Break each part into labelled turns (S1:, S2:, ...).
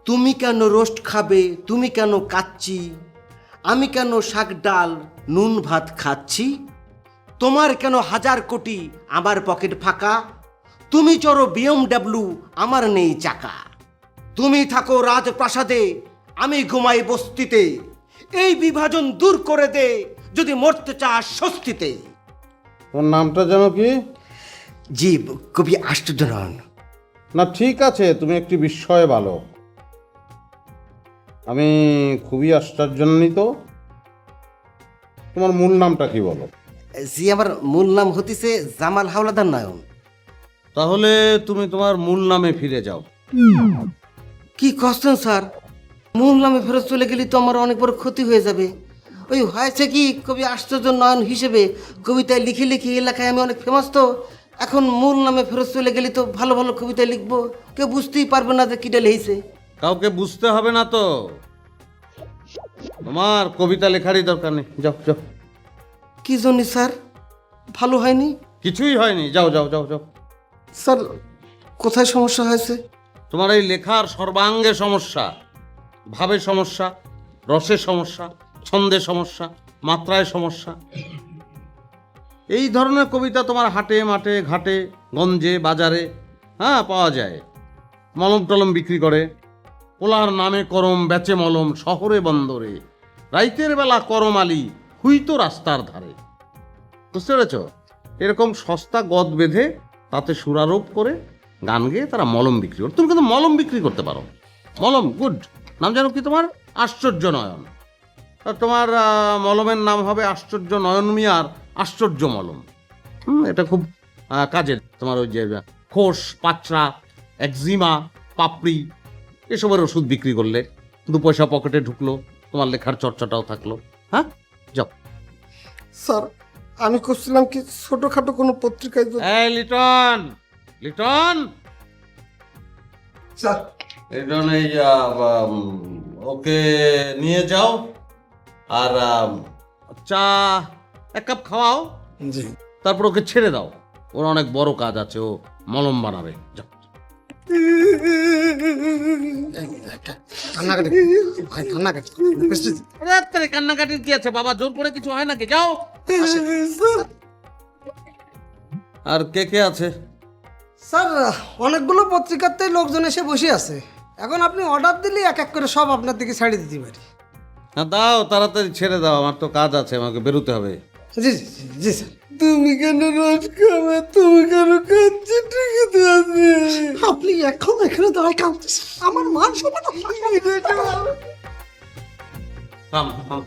S1: তুমি কেন রোস্ট খাবে, তুমি কেন কাচ্চি, আমি কেন শাক ডাল নুন ভাত খাচ্ছি, তোমার কেন 1000 কোটি আমার পকেট ফাঁকা, তুমি চড়ো BMW আমার নেই চাকা, তুমি থাকো রাজপ্রাসাদে আমি ঘুমাই বস্তিতে, এই বিভাজন দূর করে দে যদি মরতে চাস স্বস্তিতে।
S2: ওর নামটা যেন কি?
S1: জি, কবি আশ্চর্যনারায়ণ।
S2: না ঠিক আছে, তুমি একটি বিস্ময় বালক। আমি খুবই আশ্চর্যান্বিত। তোমার মূল নামটা কি বলো?
S1: জি, আমার মূল নাম হতিছে জামাল হাওলাদার নয়ন।
S2: তাহলে তুমি তোমার মূল নামে ফিরে যাও।
S1: কি করছেন স্যার? মূল নামে ফেরত চলে গেলে তো আমার অনেক বড় ক্ষতি হয়ে যাবে। ওই হয়েছে কি, কবি আশ্চর্য নয়ন হিসেবে কবিতায় লিখে লিখে এলাকায় আমি অনেক ফেমাস, তো এখন মূল নামে ফেরত চলে গেলে তো ভালো ভালো কবিতা লিখবো, কেউ বুঝতেই পারবে না যে কিটা লিখেছে।
S2: কাউকে বুঝতে হবে না তো, তোমার কবিতা লেখারই দরকার নেই। যাও যাও।
S1: কি জন্য স্যার? ভালো হয়নি?
S2: কিছুই হয়নি, যাও যাও যাও যাও।
S1: স্যার কোথায় সমস্যা হয়েছে?
S2: তোমার এই লেখার সর্বাঙ্গে সমস্যা, ভাবে সমস্যা, রসে সমস্যা, ছন্দে সমস্যা, মাত্রায় সমস্যা। এই ধরনের কবিতা তোমার হাটে মাঠে ঘাটে গঞ্জে বাজারে পাওয়া যায়। মলম টলম বিক্রি করে, পোলার নামে করম বেচে মলম শহরে বন্দরে, রাইতের বেলা করম আলি হুইতো রাস্তার ধারে। বুঝতে পেরেছ? এরকম সস্তা গদ বেঁধে তাতে সুরারোপ করে গান গেয়ে তারা মলম বিক্রি করে। তুমি কিন্তু মলম বিক্রি করতে পারো। মলম গুড। নাম জানো কি তোমার? আশ্চর্য নয়ন। আর তোমার মলমের নাম হবে আশ্চর্য নয়ন মিয়ার আশ্চর্য মলম। এটা খুব কাজের। তোমার ওই যে খোস পাচড়া একজিমা পাপড়ি এসবের ওষুধ বিক্রি করলে 2 পয়সা পকেটে ঢুকলো, তোমার লেখার চর্চাটাও থাকলো। হ্যাঁ, যাও।
S1: স্যার আমি করছিলাম কি ছোটখাটো কোনো পত্রিকায়।
S2: এই লিটন, লিটন,
S1: স্যার
S2: লিটন, এই ওকে নিয়ে যাও আর চা 1 কাপ খাওয়াও।
S1: জি।
S2: তারপর ওকে ছেড়ে দাও, ওর অনেক বড় কাজ আছে, ও মলম বানাবে। যাও। কান্নাকাটির কি আছে বাবা? জোর করে কিছু হয় নাকি? যাও। আর কে কে আছে?
S3: স্যার অনেকগুলো পত্রিকাতে লোকজন এসে বসে আছে, এখন আপনি অর্ডার দিলে এক এক করে সব আপনার দিকে ছাড়িয়ে দিতে পারি।
S2: দাও, তাড়াতাড়ি ছেড়ে দাও, আমার তো কাজ আছে, আমাকে বেরোতে হবে।
S3: জি জি জি, জি স্যার।
S1: তুমি কেন রোজ খাবে, তুমি কেন কাচ্চি, ঠিক আছে?
S3: আপনি এখন এখানে দাঁড়ায় কাঁদতেছেন, আমার মান সম্মান
S2: থাম, থাম।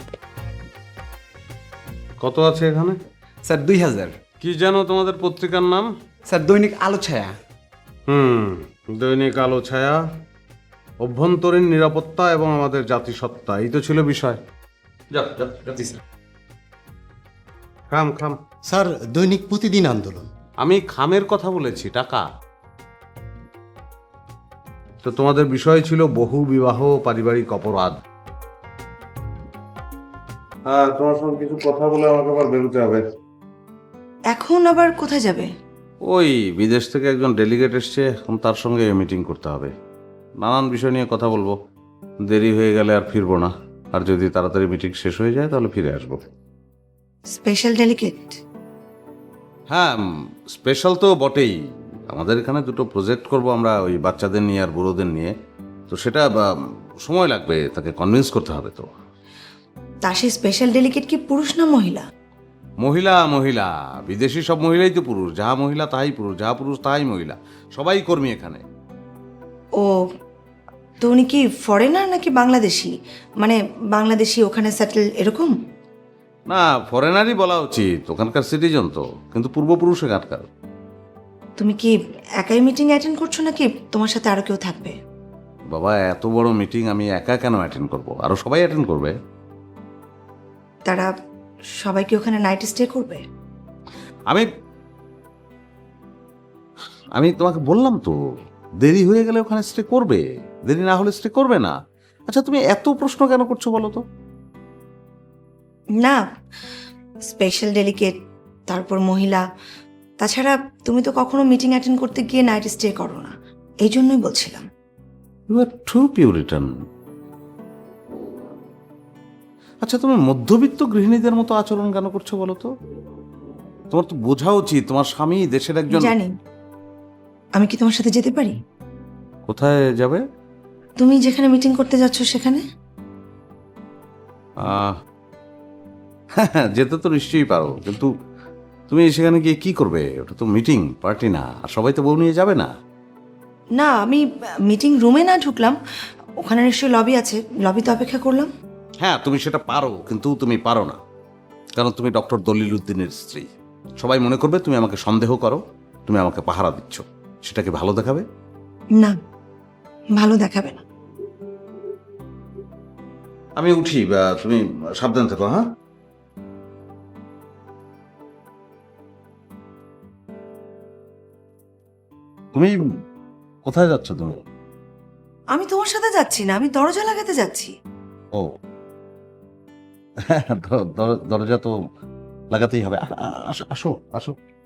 S2: কত আছে এখানে?
S4: স্যার 2000।
S2: কি জানো তোমাদের পত্রিকার নাম?
S4: স্যার দৈনিক আলো ছায়া।
S2: দৈনিক আলো ছায়া, অভ্যন্তরীণ নিরাপত্তা এবং আমাদের জাতিসত্তা, এই তো ছিল বিষয়। যাও যাও যাও।
S4: জি স্যার।
S2: খাম খাম।
S1: স্যার দৈনিক প্রতিদিন আন্দোলন।
S2: আমি খামের কথা বলেছি, টাকা। তো তোমাদের বিষয় ছিল বহু বিবাহ পারিবারিক অপরাধ। হ্যাঁ, তোমার সঙ্গে কিছু কথা বলে আমাকে আবার বেরোতে হবে।
S5: এখন আবার কোথায় যাবে?
S2: ওই বিদেশ থেকে একজন ডেলিগেট এসছে, এখন তার সঙ্গে মিটিং করতে হবে। নানান বিষয় নিয়ে কথা বলবো। দেরি হয়ে গেলে আর ফিরবো না, আর যদি তাড়াতাড়ি মিটিং শেষ হয়ে যায় তাহলে ফিরে আসবো।
S5: Special delegate?
S2: হ্যাঁ, স্পেশাল তো বটেই। আমাদের এখানে 2টো প্রজেক্ট করব আমরা, ওই বাচ্চাদের নিয়ে আর বুড়োদের নিয়ে। তো সেটা সময় লাগবে, তাকে কনভিন্স করতে হবে। তো
S5: তা সেই স্পেশাল ডেলিগেট কি পুরুষ না মহিলা?
S2: মহিলা, মহিলা। বিদেশি সব মহিলাই তো পুরুষ, যাহা মহিলা তাহাই পুরুষ, যাহা পুরুষ তাহাই মহিলা, সবাই কর্মী এখানে।
S5: ও, তো উনি কি ফরেনার নাকি বাংলাদেশি? মানে বাংলাদেশি ওখানে সেটেল এরকম?
S2: না, ফরেনারই বলা উচিত, ওখানকার সিটিজেন তো, কিন্তু পূর্বপুরুষ এখানকার।
S5: তুমি কি একাই মিটিং অ্যাটেন্ড করছো নাকি তোমার সাথে আরো কেউ থাকবে?
S2: বাবা, এত বড় মিটিং আমি একা কেন অ্যাটেন্ড করব? আরো সবাই অ্যাটেন্ড করবে।
S5: তারা সবাই কি ওখানে নাইট স্টে করবে?
S2: আমি আমি তোমাকে বললাম তো, দেরি হয়ে গেলে ওখানে স্টে করবে, দেরি না হলে স্টে করবে না। আচ্ছা, তুমি এত প্রশ্ন কেন করছো বলো তো?
S5: না, স্পেশাল ডেলিগেট, তারপর মহিলা, তাছাড়া তুমি তো কখনো মিটিং অ্যাটেন্ড করতে গিয়ে নাইট স্টে করো না, এই জন্যই বলছিলাম।
S2: You are too puritan. আচ্ছা, তুমি মধ্যবিত্ত গৃহিণীদের মতো আচরণ কেন করছো বলো তো? তোমার তো বোঝা উচিত তোমার স্বামী দেশের একজন।
S5: জানি। আমি কি তোমার সাথে যেতে পারি?
S2: কোথায় যাবে?
S5: তুমি যেখানে মিটিং করতে যাচ্ছ সেখানে।
S2: হ্যাঁ, যেতে তো নিশ্চয়ই পারো, কিন্তু তুমি সেখানে গিয়ে কি করবে? ওটা তো মিটিং পার্টি না, আর সবাই তো বউ নিয়ে যাবে না।
S5: না, আমি মিটিং রুমে না ঢুকলাম, ওখানে নিশ্চয়ই লবি আছে, লবিতে অপেক্ষা করলাম।
S2: হ্যাঁ, তুমি সেটা পারো, কিন্তু তুমি পারো না, কারণ তুমি ডক্টর দলিল উদ্দিনের স্ত্রী। সবাই মনে করবে তুমি আমাকে সন্দেহ করো, তুমি আমাকে পাহারা দিচ্ছ। সেটা কি ভালো দেখাবে?
S5: না, ভালো দেখাবে না।
S2: আমি উঠি, বা তুমি সাবধান থেকো। হ্যাঁ, তুমি কোথায় যাচ্ছ তুমি?
S5: আমি তোমার সাথে যাচ্ছি না, আমি দরজা লাগাতে যাচ্ছি।
S2: ও দরজা তো লাগাতেই হবে। আসো আসো আসো।